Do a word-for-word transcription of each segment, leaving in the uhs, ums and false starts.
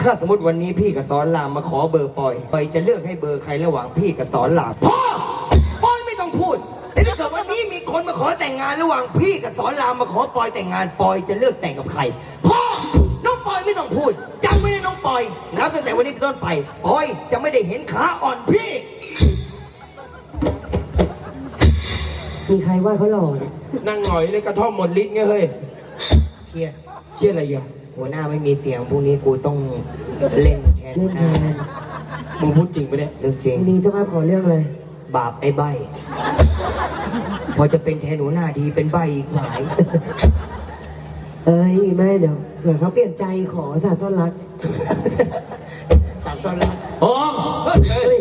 ถ้าสมมติวันนี้พี่กับสอนรามมาขอเบอร์ปอยปอยจะเลือกให้เบอร์ใครระหว่างพี่กับสอนรามพ่อปอยไม่ต้องพูดแต่ถ้าเกิดวันนี้มีคนมาขอแต่งงานระหว่างพี่กับสอนรามมาขอปอยแต่งงานปอยจะเลือกแต่งกับใครพ่อน้องปอยไม่ต้องพูดจำไว้นะน้องปอยนับตั้งแต่วันนี้เป็นต้นไปปอยจะไม่ได้เห็นขาอ่อนพี่มีใครว่าเขาหล่อเนี่ยนั่งหงอยเลยกระท่อมหมดลิ้นไงเฮ้ยเครียดเชี่ยอะไรอ่ะหัวหน้าไม่มีเสียงพวกนี้กูต้องเล่นแทนเล่นหแทน้านมึงพูดจริงปะเนี่ยเรื่องจริงมีเจ้าภาพขอเรื่องเลยบาปไอ้ใบพอจะเป็นแทนหัวหน้าทีเป็นใบอีกหลายเอ้ยไม่เดี๋ยวเผื่อเขาเปลี่ยนใจขอสาต้อนรักสามตอนแล้วโอ้เฮ้ย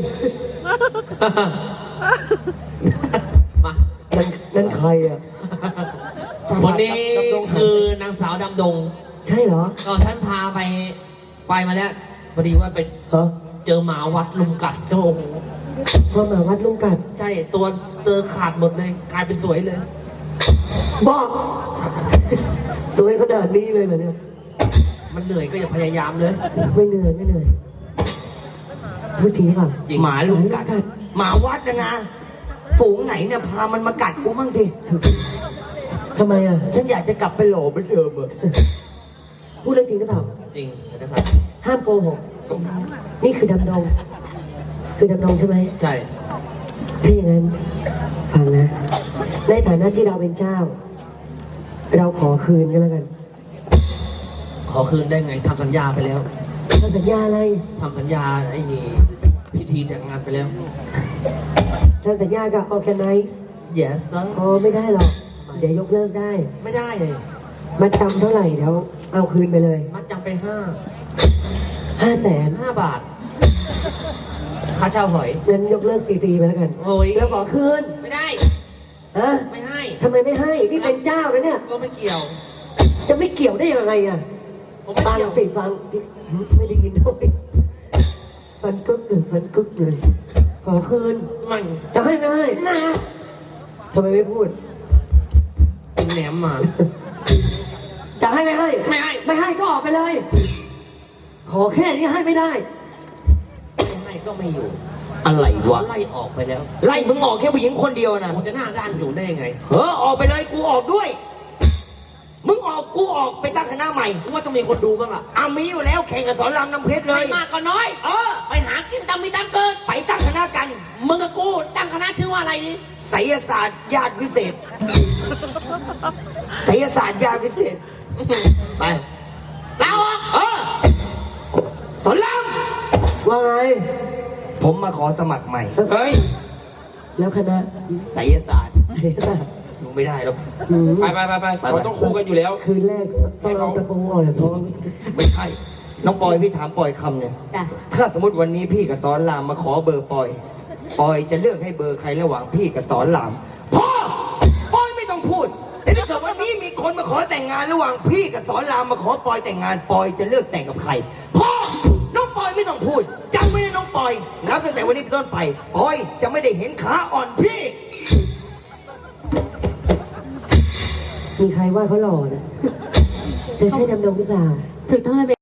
มานั่นนั่นใครอ่ะคนนี้คือนางสาวดำดงใช่เหรอก็ฉันพาไปไปมาแล้วพอดีว่าไปฮะเจอหมาวัดลุมกัดโอ้โหพ่อหมาวัดลุงกัดใช่ตัวเตอขาดหมดเลยกลายเป็นสวยเลยบอกสวยขนาดนี้เลยเหรอเนี่ยมันเหนื่อยก็อย่าพยายามเลยไม่เหนื่อยไม่เหนื่อยพูดจริงหรือเปล่าจริงหมาลุงกัดหมาวัดนะนะฝูงไหนเนี่ยพามันมากัดกูบ้างทีทำไมอ่ะฉันอยากจะกลับไปโหลเหมือนเดิมอะพูดเรื่องจริงหรือเปล่าจริงนะครับห้ามโกหกนี่คือดำดง คือดำดงใช่ไหมใช่ถ้าอย่างนั้นฟังนะ ในฐานะที่เราเป็นเจ้า เราขอคืนกันแล้วกันขอคืนได้ไงทำสัญญาไปแล้วทำสัญญาอะไรทำสัญญาไอ้พิธีแต่งงานไปแล้วทำสัญญากับ organize yes sir อ๋อไม่ได้หรอก เดี๋ยวยกเลิกได้ไม่ได้เลยมาจำเท่าไหร่เดี๋ยวเอาคืนไปเลยมัดจำไปห้าห้าแสนห้าบาทค่าเช่าหอยงั้นยกเลิกฟรีๆไปแล้วกันโอ้ยแล้วขอคืนไม่ได้ฮะไม่ให้ทำไมไม่ให้ นี่เป็นเจ้านะเนี่ยก็ไม่เกี่ยวจะไม่เกี่ยวได้ยังไงอ่ะผมไม่ฟังเกี่ยวสิฟังไม่ได้ยินด้วยฟันกึกเลยฟันกึกเลย ขอคืนไม่จะให้ไม่ให้นะทำไมไม่พูดเป็นแหนมมาจะให้ไม่ให้ไม่ให้ไม่ให้ก็ออกไปเลย ขอแค่นี้ให้ไม่ได้ไม่ให้ก็ไม่อยู่อะไรวะไล่ออกไปแล้วไล่มึงออกแค่ผู้หญิงคนเดียวนะผมจะหน้าด้านอยู่ได้ยังไงเฮ้อออกไปเลยกูออกด้วย มึงออกกูออกไปตั้งคณะใหม่กูว่าต้องมีคนดูบ้างล่ะอามีอยู่แล้วแข่งกับสอนรามน้ำเพชรเลไม่ยมากก็น้อยเออไปหากินตามมีตามเกิดไปตั้งคณะกันมึงกับกูตั้งคณะชื่อว่าอะไรนี่ไสยศาสตร์ญาติวิเศษไสยศาสตร์ญาติวิเศษไปลาออกเออสอนรามว่าไงผมมาขอสมัครใหม่เฮ้ยแล้วคณะไสยศาสตร์เสียสละดูไม่ได้หรอกหืมไปไปไปไปเขาต้องคู่กันอยู่แล้วคืนแรกต้องเอาตะปูออกจากท้องไม่ใช่น้องปอยพี่ถามปอยคำเนี่ยจ้ะถ้าสมมติวันนี้พี่กับสอนรามมาขอเบอร์ปอยปอยจะเลือกให้เบอร์ใครระหว่างพี่กับสอนรามพ่อปอยไม่ต้องพูดแต่ถ้าเกิดวันนี้มีคนมาขอแต่งงานระหว่างพี่กับสอนรามมาขอปอยแต่งงานปอยจะเลือกแต่งกับใครพ่อน้องปอยไม่ต้องพูดจำไว้นะน้องปอยนับตั้งแต่วันนี้เป็นต้นไปปอยจะไม่ได้เห็นขาอ่อนพี่มีใครว่าเขาหล่อเนี่ยจะใช่ดำดงหรือเปล่าถูกต้องเลย